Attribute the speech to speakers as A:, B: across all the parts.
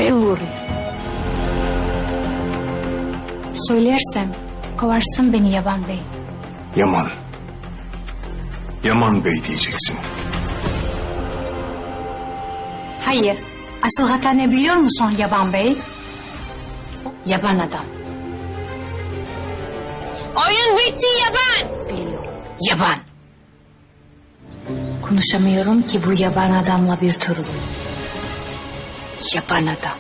A: Biliyorum.
B: Söylersem kovarsın beni Yaban Bey.
C: Yaman. Yaman Bey diyeceksin.
B: Hayır. Asıl hata ne biliyor musun Yaban Bey? Yaban adam.
A: Oyun bitti Yaban.
B: Biliyorum. Yaban. Konuşamıyorum ki bu yaban adamla bir türlü. Yaban adam.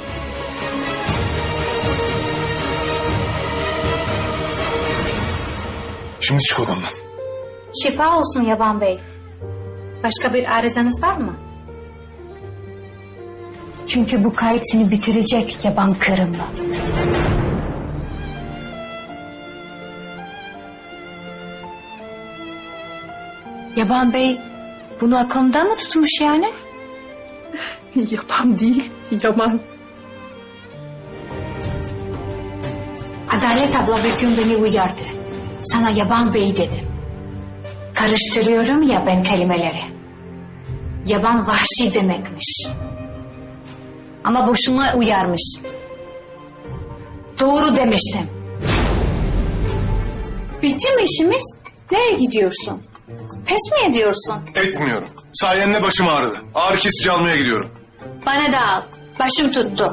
C: Şimdi çık odamdan.
B: Şifa olsun Yaban Bey. Başka bir arızanız var mı? Çünkü bu kayıt seni bitirecek yaban kırımla. Yaban Bey bunu aklımda mı tutmuş yani?
A: Yaban değil, Yaman.
B: Adalet abla bir gün beni uyardı. Sana Yaban Bey dedim. Karıştırıyorum ya ben kelimeleri. Yaban vahşi demekmiş. Ama boşuna uyarmış. Doğru demiştim. Bitti mi işimiz? Nereye gidiyorsun? Pes mi ediyorsun?
C: Etmiyorum. Sayende başım ağrıdı. Ağrı kesici almaya gidiyorum.
B: Bana da al. Başım tuttu.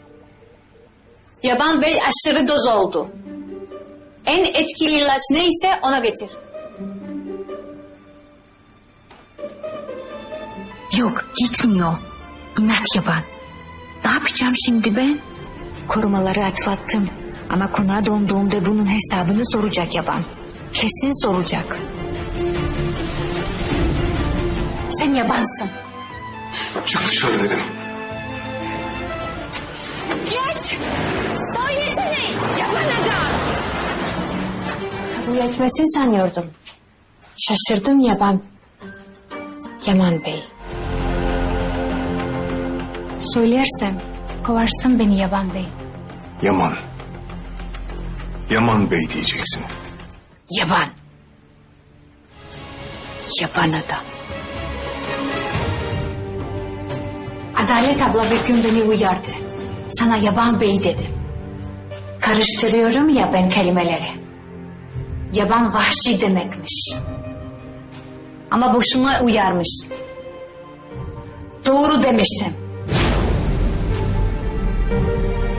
B: Yaban Bey aşırı doz oldu. En etkili ilaç neyse ona getir.
A: Yok, gitmiyor. İnat Yaban. Ne yapacağım şimdi ben?
B: Korumaları atlattım. Ama konağa döndüğümde bunun hesabını soracak Yaban. Kesin soracak. Sen yabansın.
C: Çık dışarı dedim.
A: Geç! Söylesene Yaban adam!
B: Kabul etmesin sanıyordum. Şaşırdım Yaban. Yaman Bey. Söylersem kovarsın beni Yaban Bey.
C: Yaman. Yaman Bey diyeceksin.
B: Yaban. Yaban adam. Adalet abla bir gün beni uyardı. Sana Yaban Bey dedim. Karıştırıyorum ya ben kelimeleri. Yaban vahşi demekmiş. Ama boşuna uyarmış. Doğru demiştim.